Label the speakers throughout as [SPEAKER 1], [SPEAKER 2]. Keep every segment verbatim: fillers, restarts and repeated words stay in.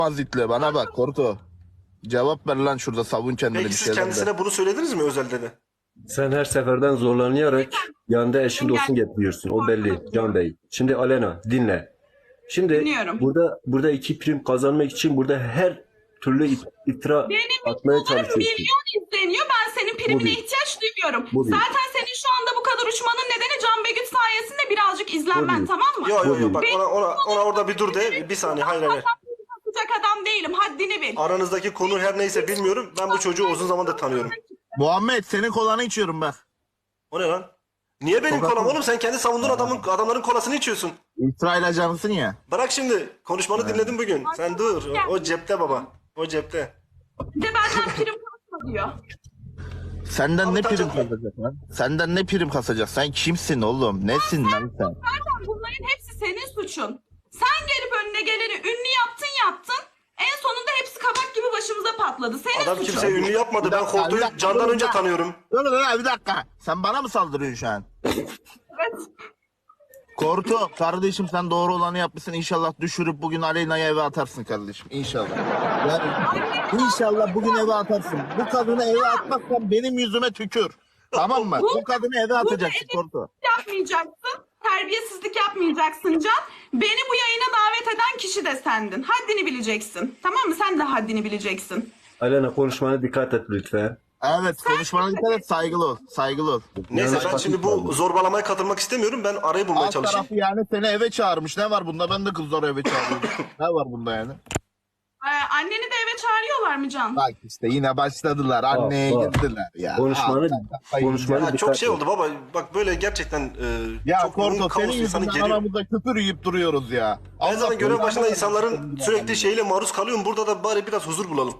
[SPEAKER 1] Mazitle bana bak Korto. Cevap ver lan şurada, savun kendini
[SPEAKER 2] Peki
[SPEAKER 1] bir
[SPEAKER 2] siz
[SPEAKER 1] şeyler
[SPEAKER 2] kendisine
[SPEAKER 1] de.
[SPEAKER 2] bunu söylediniz mi özelde de?
[SPEAKER 3] Sen her seferden zorlanarak yanında eşin dostun getiriyorsun. O belli Can Bey. Şimdi Alena dinle. Şimdi
[SPEAKER 4] Dinliyorum.
[SPEAKER 3] burada burada iki prim kazanmak için burada her türlü it- iftira
[SPEAKER 4] Benim
[SPEAKER 3] atmaya
[SPEAKER 4] videolarım
[SPEAKER 3] çalışıyorsun.
[SPEAKER 4] milyon izleniyor. Ben senin primine
[SPEAKER 3] bir.
[SPEAKER 4] ihtiyaç duymuyorum.
[SPEAKER 3] Bu bir.
[SPEAKER 4] Zaten senin şu anda bu kadar uçmanın nedeni Can Begüt sayesinde birazcık izlenmen,
[SPEAKER 3] Bu bir.
[SPEAKER 4] tamam mı?
[SPEAKER 2] Yok yok
[SPEAKER 3] Bu
[SPEAKER 2] yok bak
[SPEAKER 4] Benim
[SPEAKER 2] ona, ona, ona orada bir dur de bir saniye hayır hayır.
[SPEAKER 4] Satacak adam değilim. Haddini bil.
[SPEAKER 2] Aranızdaki konu her neyse bilmiyorum. Ben bu çocuğu uzun zamandır tanıyorum.
[SPEAKER 1] Muhammed senin kolanı içiyorum bak.
[SPEAKER 2] O ne lan? Niye benim kolam oğlum? Sen kendi savunduğun adamın adamların kolasını içiyorsun.
[SPEAKER 1] İsrail ajansın ya.
[SPEAKER 2] Bırak şimdi. Konuşmanı dinledim bugün. Sen dur. O, o cepte baba. O cepte.
[SPEAKER 4] Bir de benden prim kasma diyor.
[SPEAKER 1] Senden
[SPEAKER 2] Abi
[SPEAKER 1] ne
[SPEAKER 2] tabii.
[SPEAKER 1] prim kasacak lan? Senden ne prim kasacak? Sen kimsin oğlum? Nesin lan sen?
[SPEAKER 4] Zaten bunların hepsi senin suçun. Sen gelip önüne geleni ünlü yaptın yaptın. En sonunda hepsi kabak gibi başımıza patladı. Senin
[SPEAKER 2] Adam
[SPEAKER 4] suçun.
[SPEAKER 2] kimseyi ünlü yapmadı.
[SPEAKER 1] Bir
[SPEAKER 2] Ben
[SPEAKER 1] dakika, bir
[SPEAKER 2] Korto'yu
[SPEAKER 1] dakika,
[SPEAKER 2] candan
[SPEAKER 1] dur,
[SPEAKER 2] önce
[SPEAKER 1] bir
[SPEAKER 2] tanıyorum.
[SPEAKER 1] Dur dur dur, bir dakika. Sen bana mı saldırıyorsun şu an?
[SPEAKER 4] Evet.
[SPEAKER 1] Korto kardeşim, sen doğru olanı yapmışsın. İnşallah düşürüp bugün Aleyna'yı eve atarsın kardeşim. İnşallah. Yani inşallah bugün eve atarsın. Bu kadını eve atmazsan benim yüzüme tükür. Tamam mı? Bu kadını eve atacaksın Korto.
[SPEAKER 4] Yapmayacaksın. Terbiyesizlik yapmayacaksın Can. Beni bu yayına davet eden kişi de sendin. Haddini bileceksin. Tamam mı? Sen de haddini bileceksin.
[SPEAKER 3] Alena konuşmana dikkat et lütfen.
[SPEAKER 1] Evet, konuşmana dikkat et, saygılı ol. Saygılı ol.
[SPEAKER 2] Neyse ben
[SPEAKER 3] Yanlış
[SPEAKER 2] şimdi
[SPEAKER 3] bakmış
[SPEAKER 2] bu zorbalamaya katılmak istemiyorum. Ben arayı bulmaya
[SPEAKER 1] Alt
[SPEAKER 2] çalışayım.
[SPEAKER 1] tarafı yani seni eve çağırmış. Ne var bunda? Ben de kızları eve çağırıyorum. Ne var bunda yani?
[SPEAKER 4] Ee, anneni de eve çağırıyorlar mı Can?
[SPEAKER 1] Bak işte yine başladılar. Anneye
[SPEAKER 3] bak.
[SPEAKER 1] girdiler ya.
[SPEAKER 3] Konuşmanı-
[SPEAKER 1] Aa, sen kafayı
[SPEAKER 3] konuşmanı-
[SPEAKER 1] yiyeceksin.
[SPEAKER 2] Ya çok
[SPEAKER 3] Dikkat
[SPEAKER 2] şey
[SPEAKER 3] et.
[SPEAKER 2] oldu baba. Bak böyle gerçekten e,
[SPEAKER 1] Ya
[SPEAKER 2] çok yoğun
[SPEAKER 1] Korto
[SPEAKER 2] kaos
[SPEAKER 1] senin
[SPEAKER 2] insanı
[SPEAKER 1] yüzünden
[SPEAKER 2] geliyor.
[SPEAKER 1] aramızda küfür yiyip duruyoruz ya.
[SPEAKER 2] Ben
[SPEAKER 1] Allah
[SPEAKER 2] zaten görev
[SPEAKER 1] belanı
[SPEAKER 2] başında
[SPEAKER 1] versin.
[SPEAKER 2] insanların sürekli şeyle maruz kalıyorum. Burada da bari biraz huzur bulalım.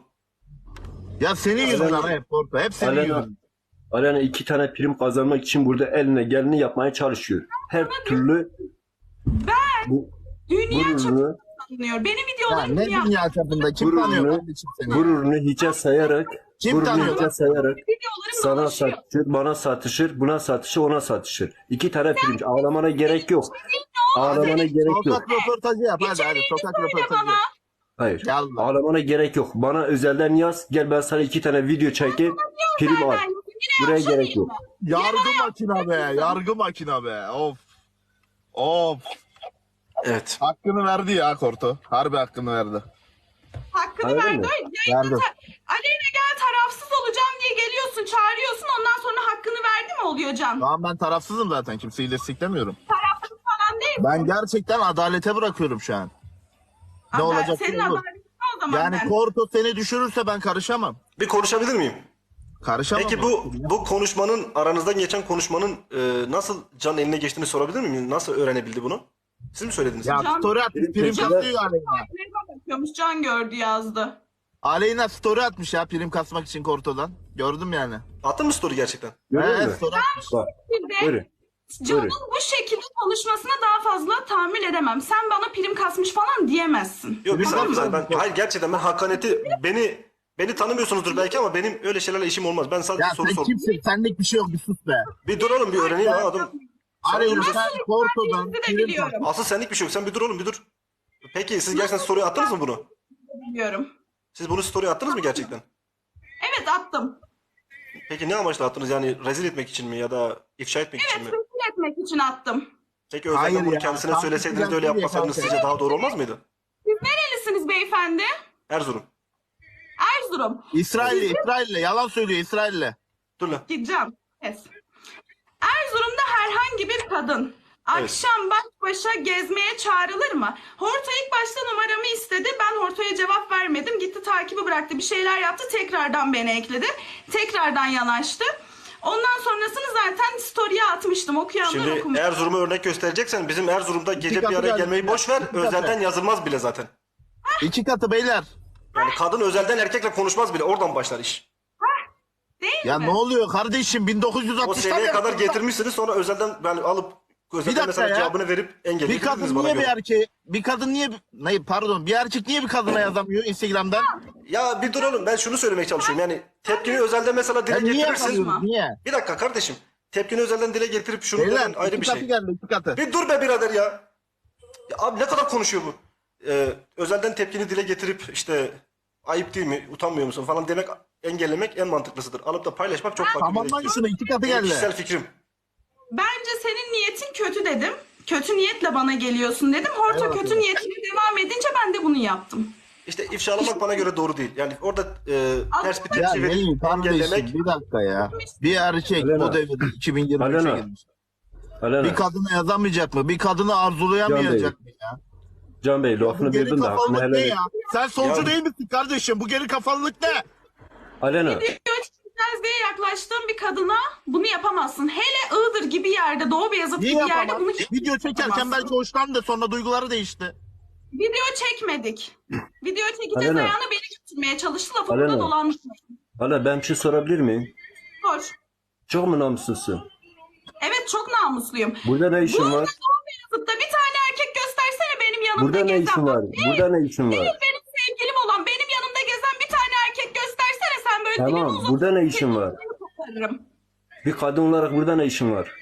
[SPEAKER 1] Ya senin yüzünden hep Korto. Hep senin
[SPEAKER 3] Alena,
[SPEAKER 1] yüzünden.
[SPEAKER 3] Alena iki tane prim kazanmak için burada eline geleni yapmaya çalışıyor. Her türlü bu
[SPEAKER 4] Dünya
[SPEAKER 3] gururunu,
[SPEAKER 4] çapında tanınıyor. Benim
[SPEAKER 1] Ya
[SPEAKER 4] videolarım
[SPEAKER 1] ne
[SPEAKER 4] dünya
[SPEAKER 1] dünya çapında? Kim tanıyor
[SPEAKER 3] gururunu,
[SPEAKER 1] kardeşim seni?
[SPEAKER 3] gururunu hiçe sayarak,
[SPEAKER 1] Kim
[SPEAKER 3] gururunu
[SPEAKER 1] tanıyor
[SPEAKER 3] hiçe
[SPEAKER 1] lan?
[SPEAKER 3] sayarak
[SPEAKER 4] videolarım
[SPEAKER 3] sana
[SPEAKER 4] dolaşıyor.
[SPEAKER 3] satışır, bana satışır, buna satışır, ona satışır. İki tane prim. Ağlamana gerek yok. Ağlamana gerek yok.
[SPEAKER 1] Sokak röportajı yap hadi hadi.
[SPEAKER 4] İçeriğini
[SPEAKER 1] Sokak
[SPEAKER 4] söyle
[SPEAKER 1] röportajı
[SPEAKER 4] bana.
[SPEAKER 1] yap.
[SPEAKER 3] Hayır.
[SPEAKER 1] Yallah.
[SPEAKER 3] Ağlamana gerek yok. Bana özelden yaz. Gel ben sana iki tane video çekeyim. Prim al.
[SPEAKER 4] Zaten yine
[SPEAKER 3] Buraya
[SPEAKER 4] yapşanayım
[SPEAKER 3] gerek yok.
[SPEAKER 4] ben.
[SPEAKER 1] Yargı makina be. Yargı makina be. Of. Of.
[SPEAKER 2] Evet.
[SPEAKER 1] Hakkını verdi ya Korto. Harbi hakkını verdi.
[SPEAKER 4] Hakkını
[SPEAKER 3] Hayır
[SPEAKER 4] verdi.
[SPEAKER 3] mi?
[SPEAKER 4] Yayında
[SPEAKER 1] Verdi.
[SPEAKER 4] ta- Aleyna gel tarafsız olacağım diye geliyorsun, çağırıyorsun. Ondan sonra hakkını verdi mi oluyor Can?
[SPEAKER 1] Şu an ben tarafsızım zaten. Kimseyi desteklemiyorum.
[SPEAKER 4] Tarafsız falan değil.
[SPEAKER 1] Ben gerçekten adalete bırakıyorum şu an. Ne
[SPEAKER 4] Aa,
[SPEAKER 1] olacak
[SPEAKER 4] Senin
[SPEAKER 1] ki olur?
[SPEAKER 4] adaletin o zaman
[SPEAKER 1] Yani
[SPEAKER 4] ben.
[SPEAKER 1] Korto seni düşürürse ben karışamam.
[SPEAKER 2] Bir konuşabilir miyim?
[SPEAKER 1] Karışamam.
[SPEAKER 2] Peki bu bu konuşmanın aranızdan geçen konuşmanın e, nasıl Can eline geçtiğini sorabilir miyim? Nasıl öğrenebildi bunu? Siz mi söylediniz?
[SPEAKER 1] Ya
[SPEAKER 4] Can-
[SPEAKER 1] story atmış. Prim
[SPEAKER 3] Peki-
[SPEAKER 1] kasıyor Aleyna.
[SPEAKER 4] Telefon bakıyormuş, Can gördü yazdı.
[SPEAKER 1] Aleyna story atmış ya prim kasmak için Korto'dan. Gördüm yani.
[SPEAKER 2] Attın mı story gerçekten?
[SPEAKER 3] Görüyor
[SPEAKER 1] He,
[SPEAKER 3] musun?
[SPEAKER 1] story atmış.
[SPEAKER 3] Bak.
[SPEAKER 4] Bir de
[SPEAKER 3] Buyurun.
[SPEAKER 4] Can'ın
[SPEAKER 3] Buyurun.
[SPEAKER 4] bu şekilde konuşmasına daha fazla tahammül edemem. Sen bana prim kasmış falan diyemezsin.
[SPEAKER 2] Yok bir
[SPEAKER 1] Tamam
[SPEAKER 2] saniye bir
[SPEAKER 1] mı?
[SPEAKER 2] saniye. Ben, hayır gerçekten ben hakaneti beni beni tanımıyorsunuzdur belki ama benim öyle şeylerle işim olmaz. Ben sadece
[SPEAKER 1] Ya
[SPEAKER 2] soru
[SPEAKER 1] sen
[SPEAKER 2] sordum.
[SPEAKER 1] kimsin? Senlik bir şey yok, bir sus be.
[SPEAKER 2] Bir dur oğlum bir öğreneyim ha adam.
[SPEAKER 1] Aleyna
[SPEAKER 2] Nasıl
[SPEAKER 1] sen Korto'dan
[SPEAKER 4] Kendinizi de
[SPEAKER 1] prim
[SPEAKER 4] biliyorum.
[SPEAKER 1] kas.
[SPEAKER 2] Asıl senlik bir şey yok. Sen bir dur oğlum bir dur. Peki siz gerçekten story attınız mı bunu?
[SPEAKER 4] Biliyorum.
[SPEAKER 2] Siz bunu story attınız mı gerçekten?
[SPEAKER 4] Evet, attım.
[SPEAKER 2] Peki ne amaçla attınız? Yani rezil etmek için mi ya da ifşa etmek için
[SPEAKER 4] Evet,
[SPEAKER 2] mi?
[SPEAKER 4] rezil etmek için attım.
[SPEAKER 2] Peki özelden
[SPEAKER 1] Hayır
[SPEAKER 2] bunu
[SPEAKER 1] ya,
[SPEAKER 2] kendisine
[SPEAKER 1] tam
[SPEAKER 2] söyleseydiniz de
[SPEAKER 1] güzel
[SPEAKER 2] öyle
[SPEAKER 1] değil ya
[SPEAKER 2] yapmasaydınız
[SPEAKER 1] kanka.
[SPEAKER 2] sizce daha doğru olmaz mıydı?
[SPEAKER 4] Siz nerelisiniz beyefendi?
[SPEAKER 2] Erzurum.
[SPEAKER 4] Erzurum.
[SPEAKER 1] İsrail'le, İsrail'le. Yalan söylüyor İsrail'le.
[SPEAKER 2] Dur lan.
[SPEAKER 4] Gideceğim. Kes. Erzurum'da herhangi bir kadın akşam baş başa gezmeye çağrılır mı? Horto ilk başta numaramı istedi. Ben Horto'ya cevap vermedim. Gitti takibi bıraktı. Bir şeyler yaptı. Tekrardan beni ekledi. Tekrardan yanaştı. Ondan sonrasını zaten story'e atmıştım. Okuyanlar
[SPEAKER 2] Şimdi
[SPEAKER 4] okumuş.
[SPEAKER 2] Erzurum'a örnek göstereceksen bizim Erzurum'da gece bir
[SPEAKER 1] katı
[SPEAKER 2] araya
[SPEAKER 1] geldi.
[SPEAKER 2] gelmeyi boş ver.
[SPEAKER 1] İki katı.
[SPEAKER 2] Özelden yazılmaz bile zaten.
[SPEAKER 1] İki katı beyler.
[SPEAKER 2] Yani kadın özelden erkekle konuşmaz bile. Oradan başlar iş.
[SPEAKER 4] Değil
[SPEAKER 1] Ya
[SPEAKER 4] mi?
[SPEAKER 1] ne oluyor kardeşim?
[SPEAKER 2] O
[SPEAKER 1] bin dokuz yüz altmıştan
[SPEAKER 2] seviyeye kadar
[SPEAKER 1] yaptık.
[SPEAKER 2] getirmişsiniz sonra özelden yani alıp özelden
[SPEAKER 1] dakika
[SPEAKER 2] mesela
[SPEAKER 1] ya.
[SPEAKER 2] cevabını verip
[SPEAKER 1] Bir
[SPEAKER 2] engellediniz
[SPEAKER 1] kadın
[SPEAKER 2] bana
[SPEAKER 1] niye bir
[SPEAKER 2] göre.
[SPEAKER 1] erkeğe, bir kadın niye, ne pardon, bir erkek niye bir kadına yazamıyor Instagram'dan?
[SPEAKER 2] Ya bir dur oğlum ben şunu söylemeye çalışıyorum. Yani tepkini özelden mesela dile
[SPEAKER 1] Ya niye
[SPEAKER 2] getirirsin.
[SPEAKER 1] yapamıyoruz? Niye?
[SPEAKER 2] Bir dakika kardeşim. Tepkini özelden dile getirip şunu
[SPEAKER 1] Beyler
[SPEAKER 2] demen ayrı
[SPEAKER 1] iki
[SPEAKER 2] bir
[SPEAKER 1] katı
[SPEAKER 2] şey.
[SPEAKER 1] geldi, iki katı.
[SPEAKER 2] Bir dur be birader ya. Ya abi ne kadar konuşuyor bu? e, özelden tepkini dile getirip işte ayıp değil mi, utanmıyor musun falan demek, engellemek en mantıklısıdır. Alıp da paylaşmak çok farklı bir yere
[SPEAKER 1] Tamamlayın
[SPEAKER 2] gidiyor.
[SPEAKER 1] şunu, iki katı
[SPEAKER 2] Benim
[SPEAKER 1] geldi.
[SPEAKER 2] kişisel fikrim.
[SPEAKER 4] Bence senin niyetin kötü dedim. Kötü niyetle bana geliyorsun dedim. Horta
[SPEAKER 1] Evet,
[SPEAKER 4] kötü
[SPEAKER 1] evet.
[SPEAKER 4] niyetine devam edince ben de bunu yaptım.
[SPEAKER 2] İşte ifşalamak bana göre doğru değil. Yani orada e, ters bir
[SPEAKER 1] Ya
[SPEAKER 2] tepki verip
[SPEAKER 1] Melih
[SPEAKER 2] engellemek.
[SPEAKER 1] kardeşim bir dakika ya. Bir erkek
[SPEAKER 3] Alena.
[SPEAKER 1] bu devirde iki bin yirmi üçe
[SPEAKER 3] Alena.
[SPEAKER 1] girmiş.
[SPEAKER 3] Alena,
[SPEAKER 1] Bir kadına yazamayacak mı? Bir kadını arzulayamayacak mı ya?
[SPEAKER 3] Can Bey
[SPEAKER 1] Bu
[SPEAKER 3] lafını
[SPEAKER 1] geri
[SPEAKER 3] böldüm de hakkını
[SPEAKER 1] kafalılık
[SPEAKER 3] helal
[SPEAKER 1] ne
[SPEAKER 3] et.
[SPEAKER 1] ya? Sen solcu
[SPEAKER 2] Ya-
[SPEAKER 1] değil misin kardeşim? Bu geri kafalılık ne?
[SPEAKER 3] Alena,
[SPEAKER 4] Video çekeceğiz diye yaklaştığım bir kadına bunu yapamazsın. Hele Iğdır gibi yerde, Doğu Beyazıt
[SPEAKER 1] Niye
[SPEAKER 4] gibi yerde
[SPEAKER 1] yapamaz?
[SPEAKER 4] bunu
[SPEAKER 1] Video çekerken
[SPEAKER 4] yapamazsın.
[SPEAKER 1] belki hoşlandı, sonra duyguları değişti.
[SPEAKER 4] Video çekmedik. Video çekeceğiz
[SPEAKER 3] Alena.
[SPEAKER 4] ayağına beni götürmeye çalıştı. Lafı
[SPEAKER 3] Alena.
[SPEAKER 4] burada dolanmış.
[SPEAKER 3] Hala ben bir şey sorabilir miyim?
[SPEAKER 4] Sor.
[SPEAKER 3] Çok mu namussuzsun?
[SPEAKER 4] Evet çok namusluyum.
[SPEAKER 3] Burada ne işin
[SPEAKER 4] Burada
[SPEAKER 3] var?
[SPEAKER 4] Doğu Beyazıt'ta bir tane erkek göstersene benim yanımda
[SPEAKER 3] Burada ne
[SPEAKER 4] gezen.
[SPEAKER 3] işin var?
[SPEAKER 4] Değil,
[SPEAKER 3] Burada ne işin
[SPEAKER 4] değil
[SPEAKER 3] var?
[SPEAKER 4] benim sevgilim olan benim yanımda gezen bir tane erkek göstersene sen böyle dilini
[SPEAKER 3] Tamam,
[SPEAKER 4] uzat.
[SPEAKER 3] burada ne işin var?
[SPEAKER 4] Seni koparırım.
[SPEAKER 3] Bir kadın olarak burada ne işin var?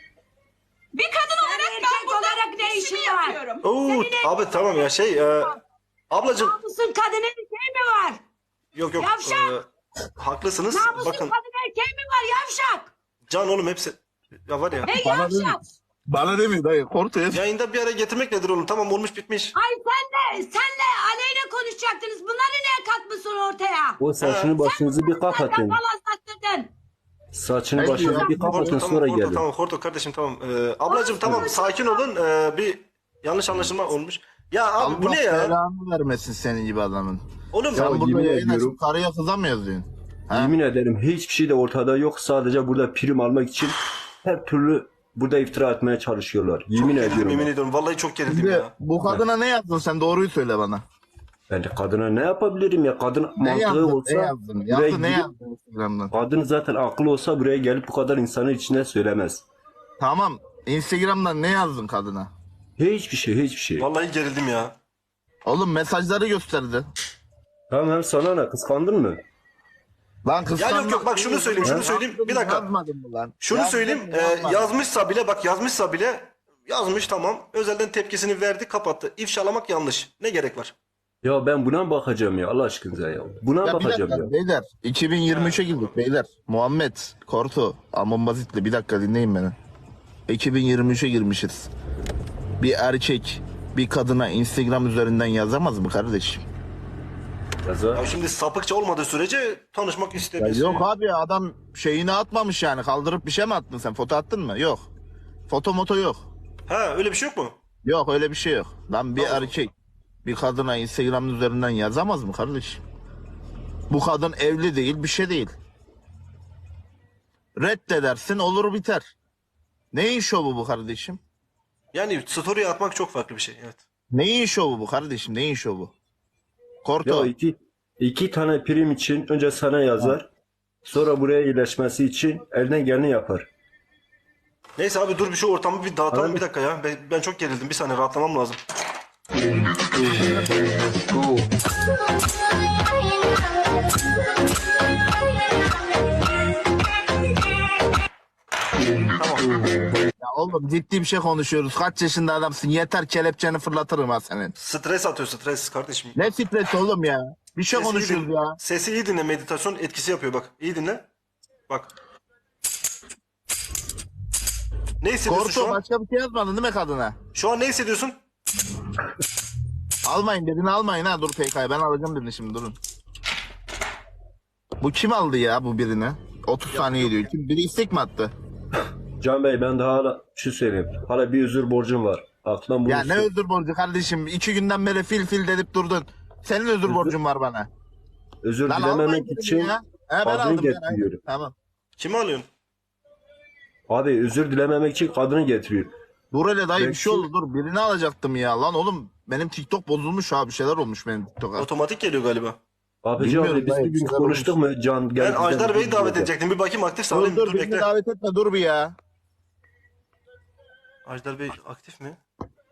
[SPEAKER 4] Bir kadın olarak ben
[SPEAKER 5] erkek
[SPEAKER 4] burada
[SPEAKER 5] olarak ne
[SPEAKER 4] işimi
[SPEAKER 5] işin var?
[SPEAKER 4] yapıyorum.
[SPEAKER 2] Oo, abi tamam ya şey e, ablacığım
[SPEAKER 5] Namusun kadın erkeği mi var?
[SPEAKER 2] yok yok
[SPEAKER 5] Yavşak!
[SPEAKER 2] e, haklısınız.
[SPEAKER 5] Namusun
[SPEAKER 2] Bakın
[SPEAKER 5] kadın erkeği mi var yavşak?
[SPEAKER 2] Can oğlum hepsi ya var ya.
[SPEAKER 5] Hey
[SPEAKER 1] Bana
[SPEAKER 5] yavşak!
[SPEAKER 1] değil. Bana demiyor dayı, korkuyor.
[SPEAKER 2] Yayında bir araya getirmek nedir oğlum? Tamam olmuş bitmiş.
[SPEAKER 5] Ay senle, senle Aleyna konuşacaktınız. Bunları niye katmışsın ortaya?
[SPEAKER 3] O saçını başınızı bir
[SPEAKER 5] Zaten
[SPEAKER 3] kapatın.
[SPEAKER 5] falan sattırdın.
[SPEAKER 3] Saçını
[SPEAKER 1] Hayır
[SPEAKER 3] başınızı
[SPEAKER 1] ya.
[SPEAKER 3] bir kapatın
[SPEAKER 2] Horto,
[SPEAKER 3] sonra
[SPEAKER 2] tamam, Horto,
[SPEAKER 3] gelin.
[SPEAKER 2] tamam, Horto kardeşim tamam. Ee, ablacığım tamam sakin olun. Ee, bir yanlış anlaşılma olmuş. Ya abi bu
[SPEAKER 1] Allah
[SPEAKER 2] ne ya?
[SPEAKER 1] belanı vermesin senin gibi adamın.
[SPEAKER 2] Oğlum
[SPEAKER 1] Sen
[SPEAKER 3] Ya
[SPEAKER 1] burada
[SPEAKER 3] yemin
[SPEAKER 1] yayın
[SPEAKER 3] ediyorum.
[SPEAKER 1] açıp karıya kıza mı yazıyorsun? Ha?
[SPEAKER 3] Yemin ederim hiçbir şey de ortada yok. Sadece burada prim almak için her türlü burada iftira etmeye çalışıyorlar. Yemin ediyorum.
[SPEAKER 2] yemin ediyorum vallahi çok gerildim
[SPEAKER 1] Şimdi
[SPEAKER 2] ya.
[SPEAKER 1] bu kadına ne yazdın sen, doğruyu söyle bana.
[SPEAKER 3] Ben de kadına ne yapabilirim ya? Kadın
[SPEAKER 1] Ne
[SPEAKER 3] mantığı
[SPEAKER 1] yazdın?
[SPEAKER 3] olsa
[SPEAKER 1] Ne yazdın?
[SPEAKER 3] buraya
[SPEAKER 1] Yazdın ne
[SPEAKER 3] gidip-
[SPEAKER 1] yazdın Instagram'dan?
[SPEAKER 3] kadın zaten akıllı olsa buraya gelip bu kadar insanın içine söylemez.
[SPEAKER 1] Tamam. Instagram'dan ne yazdın kadına?
[SPEAKER 3] Hiçbir şey, hiçbir şey.
[SPEAKER 2] Vallahi gerildim ya.
[SPEAKER 1] Oğlum mesajları gösterdi.
[SPEAKER 3] Tamam sana ne? Kıskandın mı?
[SPEAKER 1] Lan
[SPEAKER 2] Ya
[SPEAKER 1] kıskanmak
[SPEAKER 2] yok yok bak şunu
[SPEAKER 1] değil.
[SPEAKER 2] söyleyeyim şunu
[SPEAKER 1] Ya
[SPEAKER 2] söyleyeyim.
[SPEAKER 1] yazdın
[SPEAKER 2] Bir
[SPEAKER 1] mı,
[SPEAKER 2] dakika.
[SPEAKER 1] yazmadın mı lan?
[SPEAKER 2] Şunu
[SPEAKER 1] Yazdın
[SPEAKER 2] söyleyeyim.
[SPEAKER 1] mı,
[SPEAKER 2] e,
[SPEAKER 1] yazmadın?
[SPEAKER 2] yazmışsa bile bak yazmışsa bile yazmış tamam. Özelden tepkisini verdi kapattı. İfşalamak yanlış. Ne gerek var?
[SPEAKER 3] Ya ben buna mı bakacağım ya Allah aşkınıza ya? Buna
[SPEAKER 1] Ya bir
[SPEAKER 3] bakacağım
[SPEAKER 1] dakika
[SPEAKER 3] ya.
[SPEAKER 1] beyler. iki bin yirmi üçe girdik beyler. Muhammed, Korto, Amon Bazit'le bir dakika dinleyin beni. iki bin yirmi üçe girmişiz. Bir erkek bir kadına Instagram üzerinden yazamaz mı kardeşim?
[SPEAKER 3] Yaza.
[SPEAKER 2] Ya şimdi sapıkça olmadığı sürece tanışmak
[SPEAKER 1] Ya
[SPEAKER 2] istediği.
[SPEAKER 1] yok abi, adam şeyini atmamış yani, kaldırıp bir şey mi attın sen? Foto attın mı? Yok. Foto moto yok.
[SPEAKER 2] Ha öyle bir şey yok mu?
[SPEAKER 1] Yok öyle bir şey yok. Lan bir
[SPEAKER 2] Tamam.
[SPEAKER 1] erkek bir kadına Instagram üzerinden yazamaz mı kardeşim? Bu kadın evli değil, bir şey değil. Reddedersin, olur biter. Neyin şovu bu kardeşim?
[SPEAKER 2] Yani story atmak çok farklı bir şey. Evet.
[SPEAKER 1] Neyin şovu bu kardeşim? Neyin şovu? Korto.
[SPEAKER 3] Ya iki, iki tane prim için önce sana yazar. Sonra buraya iyileşmesi için elden geleni yapar.
[SPEAKER 2] Neyse abi dur bir şu ortamı bir dağıtalım
[SPEAKER 3] Abi.
[SPEAKER 2] bir dakika ya. Ben, ben çok gerildim. Bir saniye rahatlamam lazım. Tamam.
[SPEAKER 1] Ya oğlum ciddi bir şey konuşuyoruz. Kaç yaşında adamsın? Yeter, kelepçeni fırlatırım ha senin.
[SPEAKER 2] Stres atıyor stres kardeşim.
[SPEAKER 1] Ne stresi oğlum ya? Bir şey
[SPEAKER 2] Sesi iyi
[SPEAKER 1] konuşuyoruz
[SPEAKER 2] din-
[SPEAKER 1] ya.
[SPEAKER 2] Sesi iyi dinle, meditasyon etkisi yapıyor bak. İyi dinle. Bak. Ne hissediyorsun şu
[SPEAKER 1] Korto
[SPEAKER 2] an?
[SPEAKER 1] başka bir şey yazmadın değil mi kadına?
[SPEAKER 2] Şu an ne hissediyorsun?
[SPEAKER 1] Almayın dedin, almayın ha. Dur P K'yı ben alacağım dedin, şimdi durun. Bu kim aldı ya bu birini? otuz saniye diyor. Kim? Biri istek mi attı?
[SPEAKER 3] Can Bey ben daha hala şu söyleyeyim. Hala bir özür borcum var. Aklından bunu
[SPEAKER 1] Ya ne özür borcu kardeşim? İki günden beri fil fil dedip durdun. Senin özür borcun var bana.
[SPEAKER 3] özür
[SPEAKER 1] Lan almayın
[SPEAKER 3] dilememek
[SPEAKER 1] dedim
[SPEAKER 3] için
[SPEAKER 1] ya. He, ben
[SPEAKER 3] kadını
[SPEAKER 1] aldım. Ben,
[SPEAKER 3] getiriyorum.
[SPEAKER 1] aynen. Tamam.
[SPEAKER 2] Kimi alıyorsun?
[SPEAKER 3] Abi özür dilememek için kadını getiriyor.
[SPEAKER 1] Dur hele dayı, bir
[SPEAKER 3] Belki-
[SPEAKER 1] şey oldu, dur. Birini alacaktım ya. Lan oğlum benim TikTok bozulmuş ha. Bir şeyler olmuş benim TikTok'a.
[SPEAKER 2] Otomatik geliyor galiba.
[SPEAKER 3] Abi
[SPEAKER 1] Bilmiyorum
[SPEAKER 3] abi biz
[SPEAKER 1] dayı,
[SPEAKER 3] bir gün
[SPEAKER 1] şeyler
[SPEAKER 3] konuştuk mu Can?
[SPEAKER 2] Ben
[SPEAKER 3] gel bizden
[SPEAKER 2] Ajdar
[SPEAKER 3] bir
[SPEAKER 2] Bey'i
[SPEAKER 3] gün
[SPEAKER 2] davet
[SPEAKER 3] yapalım.
[SPEAKER 2] edecektim. Bir bakayım aktif
[SPEAKER 1] Dur
[SPEAKER 2] sağlayayım.
[SPEAKER 1] dur,
[SPEAKER 2] Dur,
[SPEAKER 1] birini
[SPEAKER 2] bekle.
[SPEAKER 1] davet etme, dur bir ya.
[SPEAKER 2] Ajdar Bey aktif mi?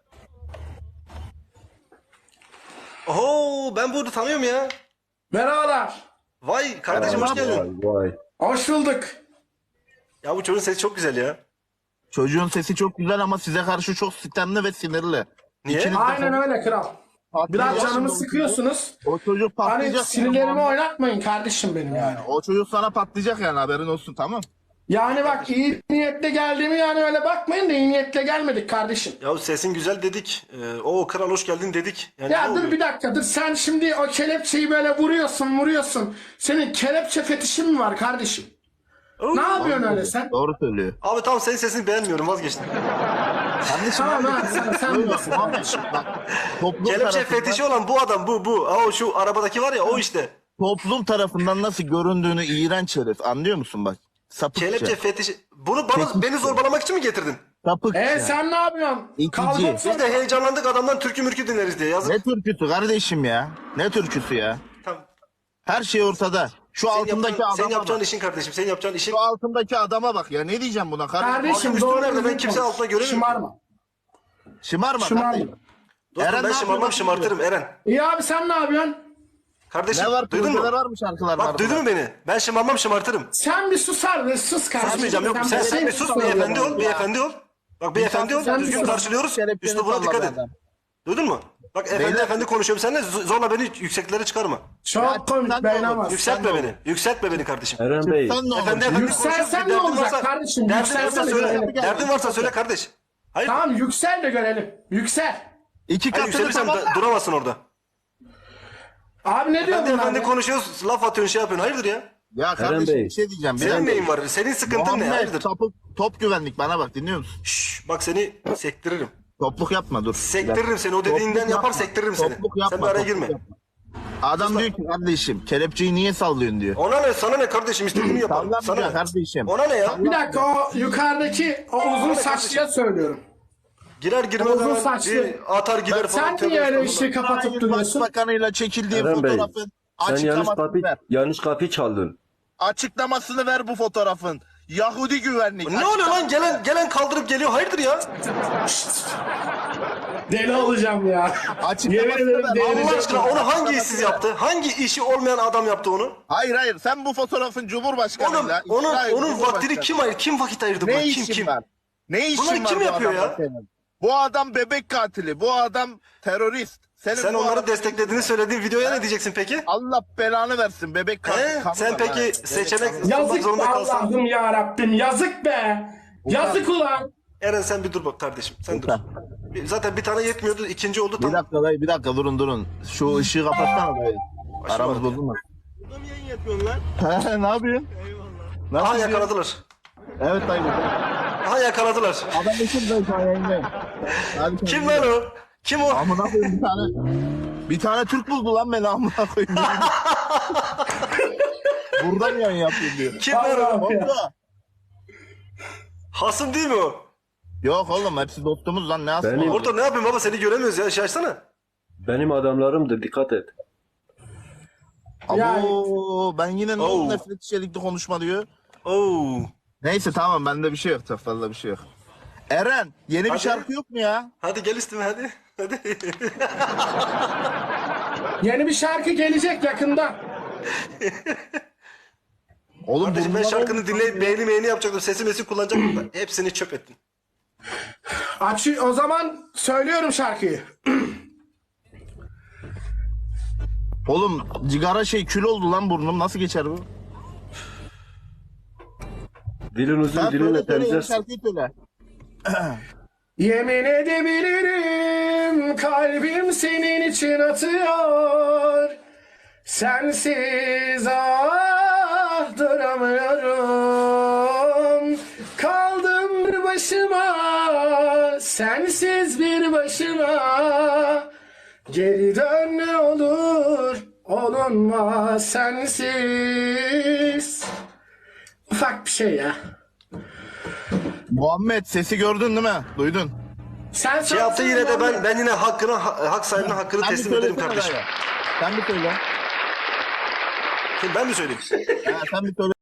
[SPEAKER 2] Oho ben bunu tanıyorum ya.
[SPEAKER 6] Merhabalar.
[SPEAKER 2] Vay kardeşim hoş geldin.
[SPEAKER 3] Vay vay.
[SPEAKER 6] Hoş bulduk.
[SPEAKER 2] Ya bu çocuğun sesi çok güzel ya.
[SPEAKER 1] Çocuğun sesi çok güzel ama size karşı çok sistemli ve sinirli.
[SPEAKER 2] Niye?
[SPEAKER 1] İkiniz de
[SPEAKER 6] Aynen
[SPEAKER 1] çok-
[SPEAKER 6] öyle kral.
[SPEAKER 1] patlayacak
[SPEAKER 6] Biraz canımı
[SPEAKER 1] şimdi.
[SPEAKER 6] sıkıyorsunuz.
[SPEAKER 1] O çocuk
[SPEAKER 6] Hani
[SPEAKER 1] patlayacak.
[SPEAKER 6] sinirlerimi oynatmayın kardeşim benim yani.
[SPEAKER 1] O çocuk sana patlayacak yani, haberin olsun, tamam.
[SPEAKER 6] Yani bak iyi niyetle geldiğimi yani öyle bakmayın da iyi niyetle gelmedik kardeşim.
[SPEAKER 2] Ya sesin güzel dedik. Ee, o kral hoş geldin dedik. Yani
[SPEAKER 6] Ya
[SPEAKER 2] ne
[SPEAKER 6] dur
[SPEAKER 2] oluyor?
[SPEAKER 6] bir dakika dur sen şimdi o kelepçeyi böyle vuruyorsun vuruyorsun. Senin kelepçe fetişin mi var kardeşim? Ne yapıyorsun öyle sen?
[SPEAKER 1] Doğru söylüyor.
[SPEAKER 2] Abi tamam senin sesini beğenmiyorum vazgeçtim.
[SPEAKER 1] Kardeşim,
[SPEAKER 6] Tamam
[SPEAKER 1] ben-
[SPEAKER 6] ha sen, sen
[SPEAKER 1] Öyle,
[SPEAKER 6] bilirsin.
[SPEAKER 1] Muhammed, bak, toplum
[SPEAKER 2] Kelepçe
[SPEAKER 1] tarafından-
[SPEAKER 2] fetişi olan bu adam bu bu. Aa, o şu arabadaki var ya o işte.
[SPEAKER 1] Toplum tarafından nasıl göründüğünü iğrenç herif, anlıyor musun bak? Sapıkça.
[SPEAKER 2] Kelepçe fetişi. Bunu bana
[SPEAKER 1] Fetiş.
[SPEAKER 2] beni zorbalamak için mi getirdin?
[SPEAKER 1] Sapıkça.
[SPEAKER 6] E sen ne yapıyorsun?
[SPEAKER 1] İkinci.
[SPEAKER 6] Kavga
[SPEAKER 2] Biz de heyecanlandık adamdan türkü mürkü dinleriz diye yazık.
[SPEAKER 1] Ne türküsü kardeşim ya? Ne türküsü ya?
[SPEAKER 2] Tamam.
[SPEAKER 1] Her şey ortada. Şu
[SPEAKER 2] Senin
[SPEAKER 1] altındaki
[SPEAKER 2] yapacağın, senin
[SPEAKER 1] adama
[SPEAKER 2] yapacağın
[SPEAKER 1] bak.
[SPEAKER 2] işin kardeşim. Senin yapacağın işin.
[SPEAKER 1] Şu altındaki adama bak ya. Ne diyeceğim buna kardeşim?
[SPEAKER 6] Kardeşim
[SPEAKER 2] üstüm
[SPEAKER 6] doğru
[SPEAKER 2] nerede? Ben
[SPEAKER 6] düzgün
[SPEAKER 2] kimse
[SPEAKER 6] konuş.
[SPEAKER 2] altına göremiyorum.
[SPEAKER 6] Şımarma.
[SPEAKER 1] Şımarma
[SPEAKER 6] Şımarma.
[SPEAKER 1] kardeşim.
[SPEAKER 2] Dostum
[SPEAKER 1] Eren
[SPEAKER 2] ben
[SPEAKER 1] ne
[SPEAKER 2] şımarmam
[SPEAKER 1] yapıyor?
[SPEAKER 2] şımartırım Eren.
[SPEAKER 6] İyi abi sen ne yapıyorsun?
[SPEAKER 2] Kardeşim
[SPEAKER 1] Ne var?
[SPEAKER 2] duydun mu?
[SPEAKER 1] Projeler var mı, şarkılar var
[SPEAKER 2] Bak
[SPEAKER 1] mı?
[SPEAKER 2] duydun mu beni? Ben şımarmam şımartırım.
[SPEAKER 6] Sen bir susar ve sus kardeşim.
[SPEAKER 2] Susmayacağım yok. Sen, sen bir sus beyefendi ol. Beyefendi ol. Bak beyefendi ol.
[SPEAKER 6] Sen bir
[SPEAKER 2] Düzgün
[SPEAKER 6] sus.
[SPEAKER 2] karşılıyoruz.
[SPEAKER 1] Kelepçeni
[SPEAKER 2] Üslubuna dikkat
[SPEAKER 1] salla
[SPEAKER 2] et.
[SPEAKER 1] be adam.
[SPEAKER 2] Duydun mu? Bak efendi
[SPEAKER 1] Beyler-
[SPEAKER 2] efendi konuşuyorum seninle. z- Zorla beni yükseklere çıkarma.
[SPEAKER 6] Çok
[SPEAKER 1] Ya,
[SPEAKER 6] komik
[SPEAKER 1] sen de
[SPEAKER 6] beğenemez.
[SPEAKER 1] olur.
[SPEAKER 2] Yükseltme
[SPEAKER 1] Sen de
[SPEAKER 2] beni. Yükseltme beni kardeşim.
[SPEAKER 3] Eren Bey,
[SPEAKER 1] Sen ne olur?
[SPEAKER 2] Efendi efendi
[SPEAKER 6] Yükselsen
[SPEAKER 2] konuşuyoruz.
[SPEAKER 6] ne
[SPEAKER 2] Bir derdin
[SPEAKER 6] olacak
[SPEAKER 2] varsa-
[SPEAKER 6] kardeşim?
[SPEAKER 2] Derdin
[SPEAKER 6] Yükselsen
[SPEAKER 2] varsa
[SPEAKER 6] de
[SPEAKER 2] söyle.
[SPEAKER 6] görelim.
[SPEAKER 2] Derdin varsa söyle kardeş. Hayır.
[SPEAKER 6] Tamam yüksel de görelim. Yüksel.
[SPEAKER 1] İki
[SPEAKER 2] Hayır
[SPEAKER 1] katını
[SPEAKER 2] yükselirsen
[SPEAKER 1] tamam.
[SPEAKER 2] da- duramazsın orada.
[SPEAKER 6] Abi ne diyor
[SPEAKER 2] Efendi
[SPEAKER 6] bunlar
[SPEAKER 2] efendi
[SPEAKER 6] ya?
[SPEAKER 2] konuşuyoruz. Laf atıyorsun şey yapıyorsun. Hayırdır ya?
[SPEAKER 1] Ya kardeşim
[SPEAKER 3] Bey.
[SPEAKER 1] bir şey diyeceğim. Bir
[SPEAKER 2] Senin
[SPEAKER 1] dakika.
[SPEAKER 2] neyin var? Senin sıkıntın ne?
[SPEAKER 1] Muhammed
[SPEAKER 2] Hayırdır?
[SPEAKER 1] top, top güvenlik, bana bak, dinliyor musun?
[SPEAKER 2] Şşş, bak seni sektiririm.
[SPEAKER 1] Topluk yapma, dur.
[SPEAKER 2] Sektiririm seni. O
[SPEAKER 1] Topluk
[SPEAKER 2] dediğinden
[SPEAKER 1] yapma.
[SPEAKER 2] yapar sektiririm seni.
[SPEAKER 1] Topluk yapma,
[SPEAKER 2] Sen bir araya
[SPEAKER 1] topluk
[SPEAKER 2] girme.
[SPEAKER 1] yapma. Adam diyor ki kardeşim kelepçeyi niye sallıyorsun diyor.
[SPEAKER 2] Ona ne? Sana ne kardeşim? İstediğimi yaparım.
[SPEAKER 1] Sallanmıyor
[SPEAKER 2] Sana ne?
[SPEAKER 1] kardeşim.
[SPEAKER 2] Ona ne ya?
[SPEAKER 6] Bir dakika o yukarıdaki o uzun saçlıya söylüyorum.
[SPEAKER 2] Girer girmez
[SPEAKER 6] Uzun
[SPEAKER 2] hemen
[SPEAKER 6] saçlı.
[SPEAKER 2] bir atar gider falan.
[SPEAKER 6] Sen
[SPEAKER 2] Tövbe
[SPEAKER 6] niye öyle
[SPEAKER 2] estağfurullah.
[SPEAKER 6] ışığı kapatıp
[SPEAKER 1] Hayır,
[SPEAKER 6] duruyorsun?
[SPEAKER 1] Başbakanıyla çekildiği
[SPEAKER 3] Eren Bey,
[SPEAKER 1] fotoğrafın
[SPEAKER 3] sen yanlış
[SPEAKER 1] açıklamasını
[SPEAKER 3] kapı,
[SPEAKER 1] ver.
[SPEAKER 3] yanlış kapı çaldın.
[SPEAKER 1] Açıklamasını ver bu fotoğrafın. Yahudi güvenlik.
[SPEAKER 2] Ne oluyor lan? Gelen gelen kaldırıp geliyor. Hayırdır ya?
[SPEAKER 6] Deli olacağım ya.
[SPEAKER 1] Açıklamasını
[SPEAKER 6] Yemin ederim
[SPEAKER 1] ver.
[SPEAKER 6] delireceğim.
[SPEAKER 2] Allah aşkına onu hangi işsiz yaptı? Hangi işi olmayan adam yaptı onu?
[SPEAKER 1] Hayır hayır, sen bu fotoğrafın
[SPEAKER 2] Onun,
[SPEAKER 1] Cumhurbaşkanıyla.
[SPEAKER 2] onun,
[SPEAKER 1] İsrail
[SPEAKER 2] onun vaktini
[SPEAKER 1] Cumhurbaşkanı.
[SPEAKER 2] kim ayır? Kim vakit ayırdı buna?
[SPEAKER 1] Ne
[SPEAKER 2] Kim
[SPEAKER 1] işin
[SPEAKER 2] kim?
[SPEAKER 1] var? Ne işin
[SPEAKER 2] Bunları
[SPEAKER 1] var
[SPEAKER 2] kim
[SPEAKER 1] bu
[SPEAKER 2] yapıyor
[SPEAKER 1] adamla
[SPEAKER 2] ya?
[SPEAKER 1] senin? Bu adam bebek katili. Bu adam terörist. Senin
[SPEAKER 2] Sen
[SPEAKER 1] bu
[SPEAKER 2] onları
[SPEAKER 1] adam-
[SPEAKER 2] desteklediğini söylediğin videoya ne diyeceksin peki?
[SPEAKER 1] Allah belanı versin, bebek katili.
[SPEAKER 2] He?
[SPEAKER 1] kanı
[SPEAKER 2] Sen
[SPEAKER 1] var
[SPEAKER 2] peki
[SPEAKER 1] ha. Bebek
[SPEAKER 2] seçenek
[SPEAKER 1] kanı.
[SPEAKER 2] yapmak
[SPEAKER 6] Yazık
[SPEAKER 2] zorunda
[SPEAKER 6] be
[SPEAKER 2] kalsan.
[SPEAKER 6] Allah'ım ya Rabbim. Yazık be. Yazık ulan.
[SPEAKER 2] Eren sen bir dur bak kardeşim. Sen dur.
[SPEAKER 1] Lütfen.
[SPEAKER 2] Bir- Zaten bir tane yetmiyordu. ikinci oldu
[SPEAKER 1] Bir
[SPEAKER 2] tam.
[SPEAKER 1] dakika dayı, bir dakika, durun durun. Şu ışığı kapatsana dayı.
[SPEAKER 2] Başım
[SPEAKER 1] Aramız
[SPEAKER 2] ağrıyor.
[SPEAKER 1] bozulmaz. Burada mı yayın yapıyorsun lan? He, ne yapıyorsun? Eyvallah.
[SPEAKER 2] Aha
[SPEAKER 1] Nasıl gidiyor?
[SPEAKER 2] yakaladılar.
[SPEAKER 1] Evet dayı.
[SPEAKER 2] Aha yakaladılar.
[SPEAKER 1] Adam için dayı, şu an yayındayım. Hadi
[SPEAKER 2] Kim
[SPEAKER 1] kendine.
[SPEAKER 2] lan o? Kim o?
[SPEAKER 1] Amına koyayım, bir tane. Bir tane Türk buldu lan beni, amına koyayım. Burada mı yayın yapıyorsun diyor.
[SPEAKER 2] Kim lan o?
[SPEAKER 6] Allah'ım ya.
[SPEAKER 1] Orada.
[SPEAKER 2] Hasım değil mi o?
[SPEAKER 1] Yok oğlum, hepsi dostumuz lan, ne asma.
[SPEAKER 3] Benim-
[SPEAKER 2] Orada ne yapayım baba seni göremiyoruz ya. Şey açsana.
[SPEAKER 3] Benim adamlarımdır, dikkat et.
[SPEAKER 1] Abo, ben yine ne oldu,
[SPEAKER 2] Oh.
[SPEAKER 1] nefret içerikli konuşma diyor.
[SPEAKER 2] Oo.
[SPEAKER 1] Neyse tamam, bende bir şey yok, çok fazla bir şey yok. Eren, yeni bir
[SPEAKER 2] Hadi.
[SPEAKER 1] şarkı yok mu ya?
[SPEAKER 2] Hadi gel üstüme hadi. Hadi.
[SPEAKER 6] Yeni bir şarkı gelecek yakında.
[SPEAKER 1] Oğlum
[SPEAKER 2] Kardeşim ben
[SPEAKER 1] bunlar
[SPEAKER 2] şarkını
[SPEAKER 1] olmuş
[SPEAKER 2] dinleyip
[SPEAKER 1] ya.
[SPEAKER 2] beğeni meğeni yapacaktım. Sesi mesi kullanacaktım da. Hepsini çöp ettin.
[SPEAKER 6] Aç o zaman söylüyorum şarkıyı.
[SPEAKER 1] Oğlum cigara şey kül oldu lan burnum, nasıl geçer bu?
[SPEAKER 3] Dilin uzun,
[SPEAKER 1] Sen
[SPEAKER 3] dilinle
[SPEAKER 1] söyle söyle, yeni
[SPEAKER 3] temizlersin.
[SPEAKER 1] şarkıyı söyle.
[SPEAKER 6] Yemin edebilirim kalbim senin için atıyor. Sensiz ah duramıyorum. Kaldım bir başıma, sensiz bir başıma. Geri dön ne olur, olunmaz sensiz. Ufak bir şey ya.
[SPEAKER 1] Muhammed, sesi gördün değil mi? Duydun.
[SPEAKER 6] Sen
[SPEAKER 2] Şey yaptı
[SPEAKER 6] söylesene
[SPEAKER 2] yine de ben
[SPEAKER 6] Muhammed.
[SPEAKER 2] ben yine hakkını ha- hak sahibine hakkını
[SPEAKER 1] Sen bir
[SPEAKER 2] teslim ederim
[SPEAKER 1] söylesene
[SPEAKER 2] kardeşim.
[SPEAKER 1] dayı. Sen bir söyle.
[SPEAKER 2] Kim ben mi söyleyeyim?
[SPEAKER 1] Ha, sen bir söyle.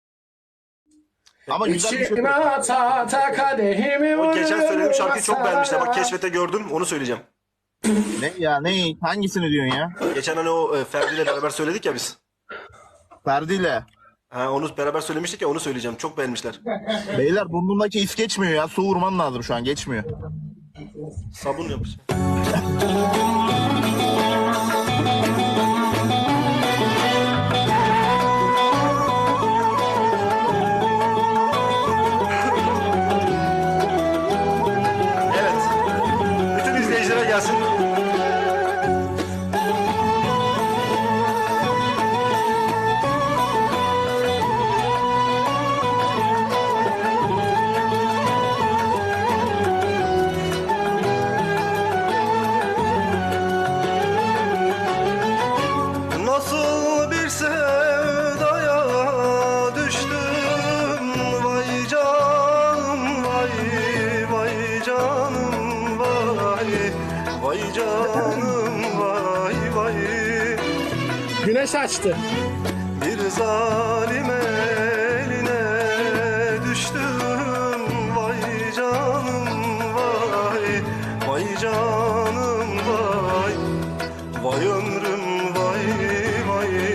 [SPEAKER 1] Ama güzel bir şey
[SPEAKER 6] İçime
[SPEAKER 1] söyle.
[SPEAKER 6] ata ata kadehimi
[SPEAKER 2] O geçen
[SPEAKER 6] vururum
[SPEAKER 2] söylediğim şarkıyı çok beğenmişler. Bak
[SPEAKER 6] masaya.
[SPEAKER 2] keşfete gördüm onu söyleyeceğim.
[SPEAKER 1] Ne ya, ne? Hangisini diyorsun ya?
[SPEAKER 2] Geçen hani o e, Ferdi ile beraber söyledik ya biz.
[SPEAKER 1] Ferdi'yle.
[SPEAKER 2] Ha onu beraber söylemiştik ya onu söyleyeceğim. Çok beğenmişler.
[SPEAKER 1] Beyler burnumdaki is geçmiyor ya. Su vurman lazım şu an, geçmiyor.
[SPEAKER 2] Sabun yapacağım. Evet. Bütün izleyicilere gelsin. Nasıl bir sevdaya düştüm, vay canım, vay vay canım, vay vay canım, vay vay.
[SPEAKER 6] Güneş açtı.
[SPEAKER 2] Bir zalim eline düştüm, vay canım, vay vay canım, vay vay ömrüm, vay vay.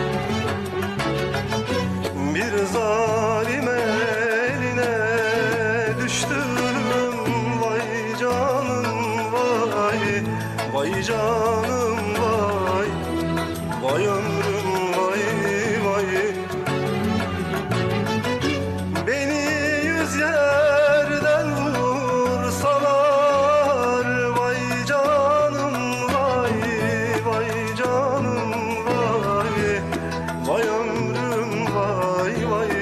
[SPEAKER 2] Bir zalim eline düştüm, vay canım, vay vay canım, vay vay ömrüm, vay vay. Beni yüz yerden vursalar, vay canım, vay vay canım, vay vay ömrüm, vay vay.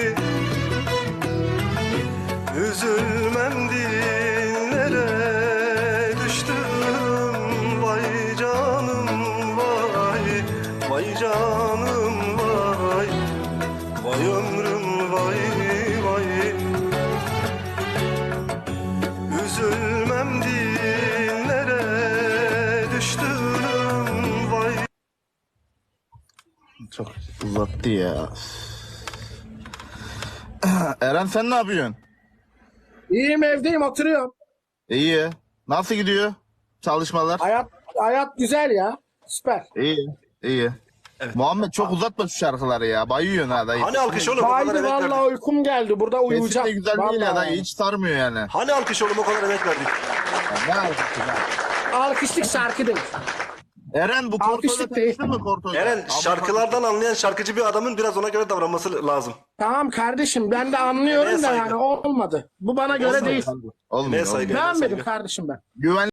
[SPEAKER 2] Üzülmem dinlere düştüm, vay canım, vay vay canım, vay vay ömrüm, vay vay. Üzülmem dinlere düştüm, vay.
[SPEAKER 1] Çok uzattı ya. Eren sen ne yapıyorsun?
[SPEAKER 6] İyiyim, evdeyim, oturuyorum.
[SPEAKER 1] İyi. Nasıl gidiyor çalışmalar?
[SPEAKER 6] Hayat hayat güzel ya. Süper.
[SPEAKER 1] İyi. İyi. Muhammed çok uzatma şu şarkıları ya. Bayıyorsun ha dayı.
[SPEAKER 2] Hani alkış oğlum, o kadar
[SPEAKER 6] Haydi
[SPEAKER 2] emek
[SPEAKER 6] vallahi
[SPEAKER 2] verdik.
[SPEAKER 6] uykum geldi. Burada
[SPEAKER 1] Sesin
[SPEAKER 6] uyuyacağım.
[SPEAKER 1] de güzel değil ya
[SPEAKER 6] Vallahi.
[SPEAKER 1] dayı. Hiç sarmıyor yani.
[SPEAKER 2] Hani alkış oğlum, o kadar emek verdik.
[SPEAKER 1] Ne alkışı lan?
[SPEAKER 6] Alkışlık şarkı değil.
[SPEAKER 1] Eren bu
[SPEAKER 6] Alkışlık
[SPEAKER 1] Korto'yla
[SPEAKER 6] değil.
[SPEAKER 1] tanıştın mı Korto'yla?
[SPEAKER 2] Eren,
[SPEAKER 1] Abi,
[SPEAKER 2] şarkılardan anlayan şarkıcı bir adamın biraz ona göre davranması lazım.
[SPEAKER 6] Tamam kardeşim, ben de anlıyorum
[SPEAKER 2] Emeğe
[SPEAKER 6] da
[SPEAKER 2] saygı.
[SPEAKER 6] yani olmadı. Bu bana göre değil.
[SPEAKER 1] Olmuyor,
[SPEAKER 2] Emeğe saygı.
[SPEAKER 1] olmuyor.
[SPEAKER 2] emeğe
[SPEAKER 6] Beğenmedim
[SPEAKER 2] saygı.
[SPEAKER 6] kardeşim ben.
[SPEAKER 1] Güvenli